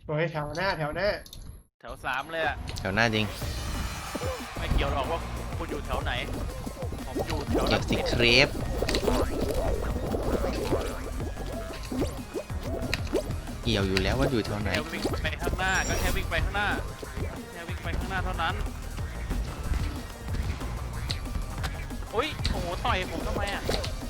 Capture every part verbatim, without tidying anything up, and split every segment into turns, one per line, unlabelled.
โอ้ยแถวหน้าแถวหน้า
แถวสามเลยอะ
แถวหน้าจริง
ไม่เกี่ยวหรอกว่าคุณอยู่แถวไหนผมอยู่แถว
เก็บสิเครปเกี่ยวอยู่แล้วว่าอยู่แถวไหน
แค่วิ่งไปข้างหน้าก็แค่วิ่งไปข้างหน้าแค่วิ่งไปข้างหน้าเท่านั้นอุ้ยโอ้โหต่อยผมทำไมอะ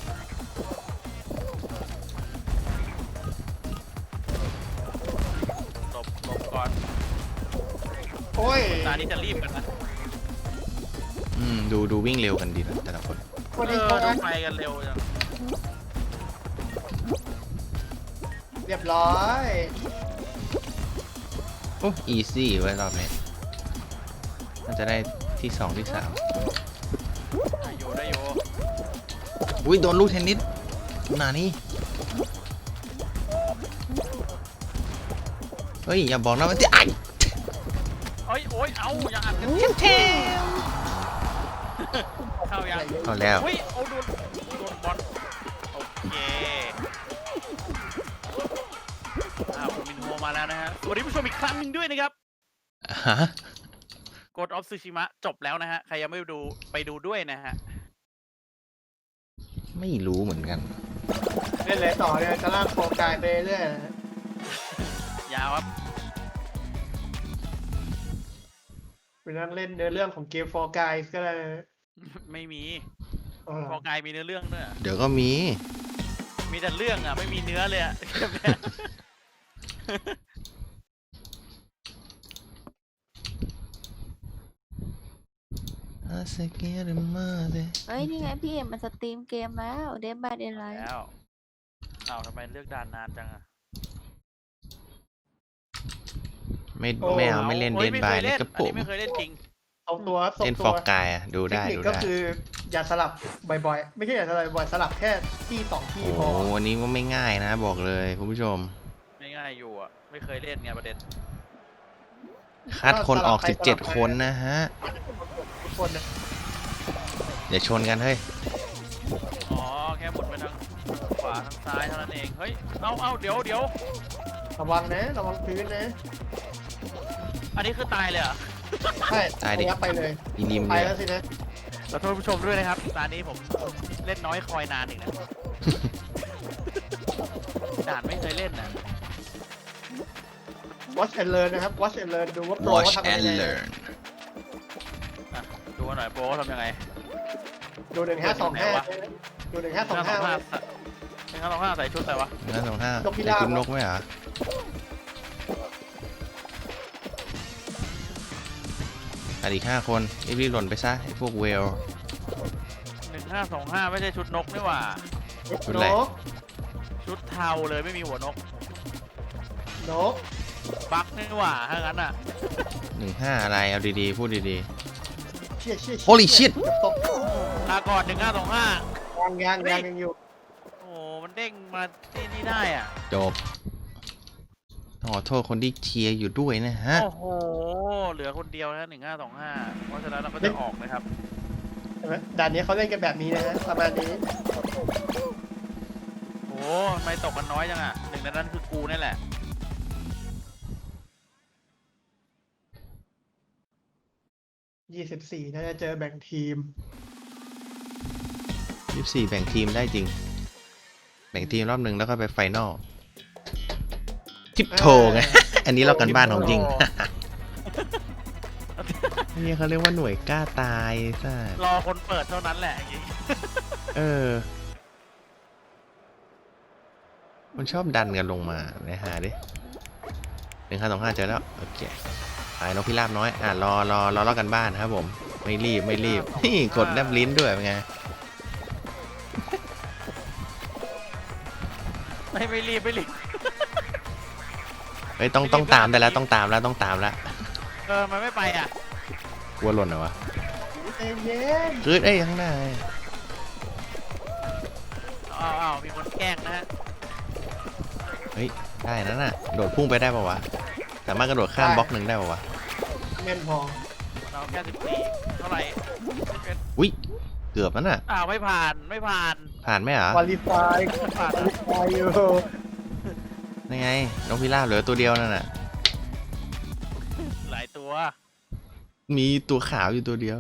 หลบหลบก่อน
โอ้ย
ตานี้จะรีบกันนะ
อืมดูดูวิ่งเร็วกันดีนะแต่ละคน
พอ
เอ
ดี
อ
เขา
ดูไปกันเร็วจัง
เรียบร้อย
โอ้อีซี่ไว้รอบนี้น่าจะได้ที่สองที่สาม
ได้อยู่ได้อยู่
อุ้ยโดนลูกเทนนิสหนานี่เฮ้ยอย่าบอกนะว่าจะไอ
เอ้ยโอ้ยเอาอย่าอัดกัน
เทม
เข้ายัง
เข้าแล้ว
อุ้ยเอาโดนโดนบอลโอเคอ่าผมมินโฮมาแล้วนะฮะสวัสดีผู้ชมอีกครั้งหนึ่งด้วยนะครับ
ฮะ
Ghost of Tsushima จบแล้วนะฮะใครยังไม่ดูไปดูด้วยนะฮะ
ไม่รู้เหมือนกัน
เล่นเลยต่อเนี่ยจะลากโฟกายไปเรื่อย
ยาวครับ
ไปนั่งเล่นเนื้อเรื่องของเกมโฟกายก็เลย
ไม่มี
อ๋อเหรอ
พอกายมีเนื้อเรื่องด้วยอะ
เดี๋ยวก็มี
มีแต่เรื่องอ่ะไม่มีเนื้อเลยอ่ะ
อาเซเกะเรมาเด
เฮ้ย นี่ไงพี่เอ็มมันสตรีมเกมแล้วเดนบายเดนไลท์
แล้วเอาทำไมเลือกด่านนานจังอ่ะ
ไม่ไม่เอาไม่เล่น
โอ้
เด
ย
น
ไม่
บา
เค
ย
ย
เลย
เล่น
กระ
อัน
ปุก
นี้ไม่เคยเล่นจริง
เอาตัวส่ง
เล่นฟ
ตั
อ
ว
ร์กายอ่ะดู
เทค
ได้
นิค
ดู
ก็
ได้
คืออย่าสลับบ่อยๆไม่ใช่อย่าสลับบ่อยสลับแค่ที่สองที่
โอ้
พอ
โหวันนี้ก็ไม่ง่ายนะบอกเลยคุณผู้ชม
ไม่ง่ายอยู่อ่ะไม่เคยเล่นไงประเด็น
คัดคนออกสิบเจ็ดคนนะฮะ
ทุกคนนะ
อย่าชนกันเฮ้ย
อ๋อแค่หมุนไปทางขวาทางซ้ายเท่านั้นเองเฮ้ยเอาเอาเดี๋ยวเดี๋ยว
ระวังนะระวังพื้นนะ
อันนี้คือตายเลยเหรอ
ใช่
ตายดิ
ยับไปเลย
อีนิม
ไป
เลย
แล้วสินะ
ขอโทษผู้ชมด้วยนะครับตอนนี้ผมเล่นน้อยคอยนานอีกนะ ด่านไม่เคยเล่นนะ
watch and learn นะครับ watch and learn ดูว่าโปร
watch
เขาทำยัง
and
ไง
learn
อ่ะดูหน่อยโปรเขาทำยังไง
ดูหนึ่งห้าสองห้าดูหนึ่งห้าสองห้า
หนึ่งห้าสองห้าใส่ชุดอะไรวะ
งั้นสองห้าน
กพิ
แต่
ราบ
คุณนกไหมเหรออันอีกห้าคนรีบๆหล่นไปซะไอ้พวกเวล
หนึ่งห้าสองห้าไม่ใช่ชุดนกนี่หว่า
ชุดอะไร
นก
ชุดเทาเลยไม่มีหัวนก
นก
บั๊กนี่หว่าถ้างั้นอ่ะ
หนึ่งห้าอะไรเอาดีๆพูดดี
เชี่ยเชี่ย
Holy shit
ตก
ลาก่อนหนึ่งห้าสองห้าย
างยางยางยังอยู่
โอ้โหมันเด้งมาที่นี่ได้อ่ะ
ๆจบต้องขอโทษคนที่เชียร์อยู่ด้วยนะฮะ
โอ้โหเหลือคนเดียวนะหนึ่งห้าสองห้าเพราะฉะนั้นเราก็จะออกนะครับ
ใช่ไหมด่านนี้เขาเล่นกันแบบนี้นะฮะประมาณนี้
โอ้ทำไมตกกันน้อยจังอ่ะหนึ่งในนั้นคือกูนี่แหละ
ยี่สิบสี่น่าจะเจอแบ่งทีม
ยี่สิบสี่แบ่งทีมได้จริง แบ่งทีมรอบหนึ่งแล้วก็ไปไฟนอลทิปโทไง อันนี้เรากันบ้านของจริง นี่เขาเรียกว่าหน่วยกล้าตายซ่าร
อคนเปิดเท่านั้นแหละอย่างงี้
เออ มันชอบดันกันลงมาไหนหาดิหนึ่งห้าสองห้าเจอแล้ว โอเคหายนกพิราบน้อย อ่ะ รอรอรอรอกันบ้านครับผม ไม่รีบไม่รีบ นี่กดแนบลิ้นด้วยเป็นไง
ไม่ไม่รีบไม่รีบ
เฮ้ยต้องต้องตามได้แล้วต้องตามแล้วต้องตามแล้ว
เออมันไม่ไปอ่ะ
กลัวหล่นเหรอวะ
ใจเย็น
เฮ้ยเอ้ยข้างหน้า
อ้าวอ้าวมีคนแกล้งนะฮะ
เฮ้ยได้นั่นน่ะโดดพุ่งไปได้ป่าวะสามารถกระโดดข้ามบล็อกหนึ่งได้ป่าวะ
แม่นพอ
เราแค่สิบสี่เท่าไหร่
อุ้ยเกือบแล้วน่ะ
อ้าวไม่ผ่านไม่ผ่าน
ผ่านไหมเหรอ
วอลิฟาย
ผ่าน
วอลิฟายอยู่
นี่ไงนกพิราบเหลือตัวเดียวนั่นน่ะมีตัวขาวอยู่ตัวเดียว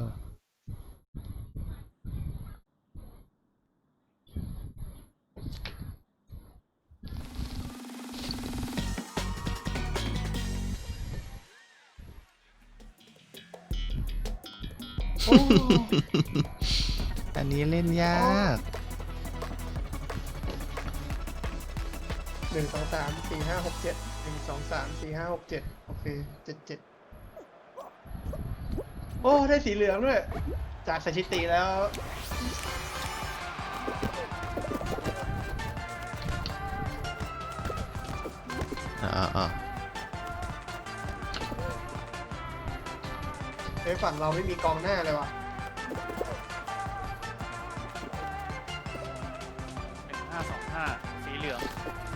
อันนี้เล่นยาก
หนึ่งสองสามสี่ห้าหกเจ็ดหนึ่งสองสามสี่ห้าหกเจ็ดโอเคเจ็ดเจ็ดโอ้ได้สีเหลืองด้วยจากสถิติแล้ว
อ่าอ่า
ไอ้ยฝั่งเราไม่มีกองหน้าเลยว่ะ
หนึ่งห้าสองห้าสีเหลือง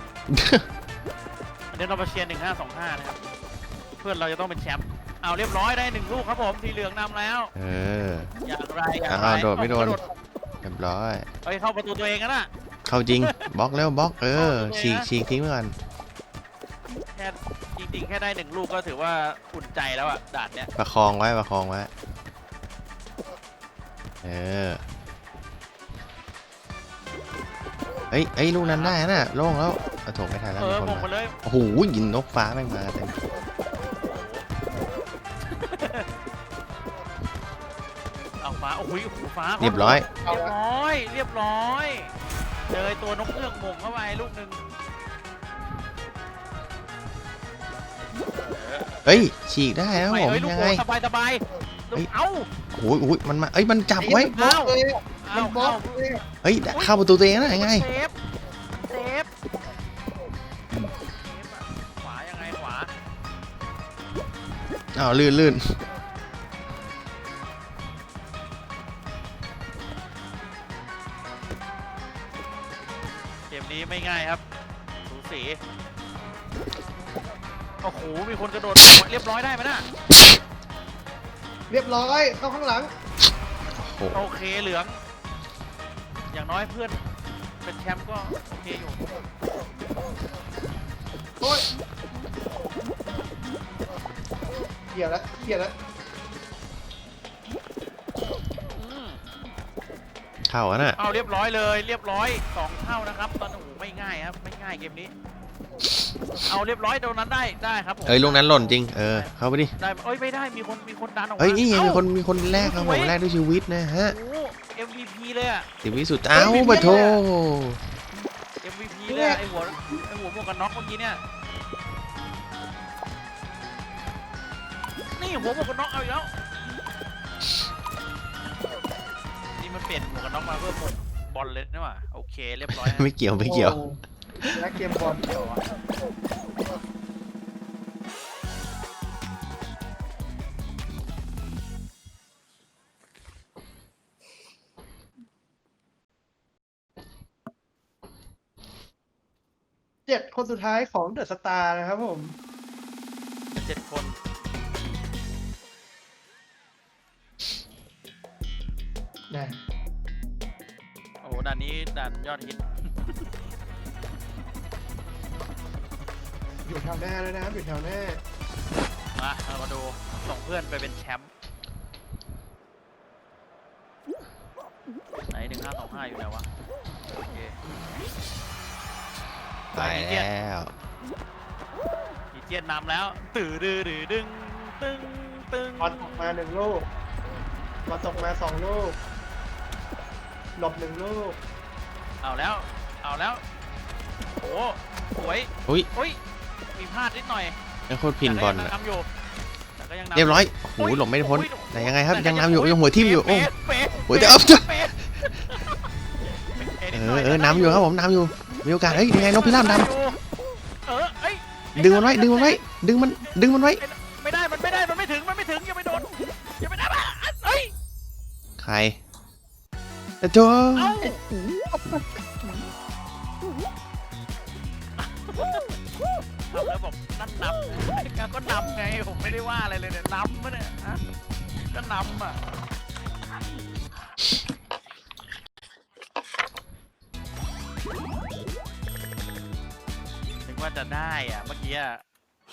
อันนี้เรามาเชียร์หนึ่งห้าสองห้านะครับเพื่อนเราจะต้องเป็นแชมป์เอาเรียบร้อยได้หนึ่งลูกครับผมสีเหลืองนำแล้ว
เออ
อย่างไรอย่างไร
อ้าวโดดไม่โดน
เอากระ
เรียบร้อย
เฮ้ยเข้าประตูตัวเองกันนะ
เข้าจริง บล็อกแล้วบล็อก เออ ฉีกฉีกทิ้งไปก่อน
แค่จริงๆแค่ได้หนึ่งลูกก็ถือว่าอุ่นใจแล้วอะด่านเนี้ย
ประคองไว้ ประคองไว้ เออ เอ้ยเอ้ยลูกนั้นได้น่ะโล่งแล้วเอาถกไม่ทันแล้ว
เอ
มี
อ
คน
มง
มา
มาเลย
โอ้โหยิงนกฟ้าแม่งมาเต็ม
เอาฟ้าโอ้ยโอ้โหฟ้า
เรียบร้อย
เรียบร้อย เรียบร้อยเจอไอ้ตัวนกเงือกมงเข้าไปลูกหนึ่ง
เอ้ย ฉีกได้แล้ว
ไป
ผม
เอ้ยลูก
ยัง
โป่
ไง
งสบายสบายลูก
เฮ้ย
เอ้า
โอ้โหโอ้ยมันมา เอ้ย มันจับไว้
บล็อกเลยอะ
เอ้า
มันบล็อ
เอ้าก
เลยอะ
เฮ้ย เข้าประตูตัวเองนะยังไง
เซฟเซฟเซฟอะขวายังไงขวา
อ้าวลื่นลื่น
เกมนี้ไม่ง่ายครับสูสีโอ้โหมีคนกระโดดเรียบร้อยได้ไหมน่ะ
เรียบร้อยเข้าข้างหลัง
โอ้โห
โอเคเหลือง อย่างน้อยเพื่อนเป็นแชมป์ก็โอเคอยู่
โอ้ยเกี่ยวแล้วเกี่ยวแล้ว
อืม
เข้าอะน่ะ
เอาเรียบร้อยเลยเรียบร้อยสองเท่านะครับตอนโอ้โหไม่ง่ายครับไม่ง่ายเกมนี้ เอาเรียบร้อยตรงนั้นได้ได้ครับผม
เอ้ยลูกนั้นหล่นจริง เออ เข้าไปดิ
ได้เอ้ยไม่ได้มีคนมีคนดันออกมา
เอ้ย นี่ไงมี
เอ้า
คนมีคนแรกครับผมแรกด้วยชีวิตนะฮะ
โอ้โห เอ็ม วี พี เลยอะ
สิบวิสุด เอ้าปะโถ
เอ็ม วี พี เลยอะไอหัวไอหัวหมวกกันน็อกเมื่อกี้เนี่ยนี่หัวหมวกกันน็อกเอาอีกแล้วนี่มันเปลี่ยนหมวกกันน็อกมาเพื่อหมวกบอลเลยนี่หว่าโอเคเรียบร้อยฮะ
ไม่เกี่ยวไม่เกี่ยว
โอ้และเกมบอล
เดี๋ยวอะ
เจ็ดคนสุดท้ายของเดอะสตาร์นะครับผม
เจ็ดคน
นะ
โอ้โหด่านนี้ด่านยอดฮิต
อยู่แถวหน้าแล้วนะครับอยู่แถวหน้า
มาเรามาดูส่งเพื่อนไปเป็นแชมป์ไหนหนึ่งห้าสองห้าอยู่ไหนวะโอเค
ตายแล้ว
อีเจียนนำแล้วตื่นดื้อดื้อดึงตึงตึง
บอลตกมาหนึ่งลูกบอลตกมาสองลูกหลบหนึ่งลูก
เอาแล้วเอาแล้วโอ้สวย
อุ้ย
อุ้ยมีพลาดนิดหน่อย
นี่โคตรพินบอล
แต่
อะ
ก็ยังนำอยู่แต่ก็ยังนำ
เรียบร้อยโอ้โหหลบไม่พ้น
อุ๊
แต่ยังไงครับ
แต่
ยังนำอยู่ยังหัวทิ่มอยู่โอ้
เป๊ะเป๊ะ
โอ้ยแต่
เป๊ะ
เอา
เป๊ะป๊ะ
เอ
นิดหน่
อเออนำอยู่ครับผมนำอยู่ มีโอกาส เฮ้ยยังไงนกพิราบด
เออเอ้ย
ำดึงมันไว้ ดึงมันไว้ ดึงมัน ดึงมันไว้
ไม่ได้มันไม่ได้มันไม่ถึงมันไม่ถึงอย่าไปโดนอย่าไปได้ปะเอ้ย
ใครแต่โจ
เอ้าแล้วบอกนั่นนำก็นำไงผมไม่ได้ว่าอะไรเลยเนี่ยนำมะเนี่ยฮะก็นำอ่ะถึงว่าจะได้อ่ะเมื่อกี้อ่ะ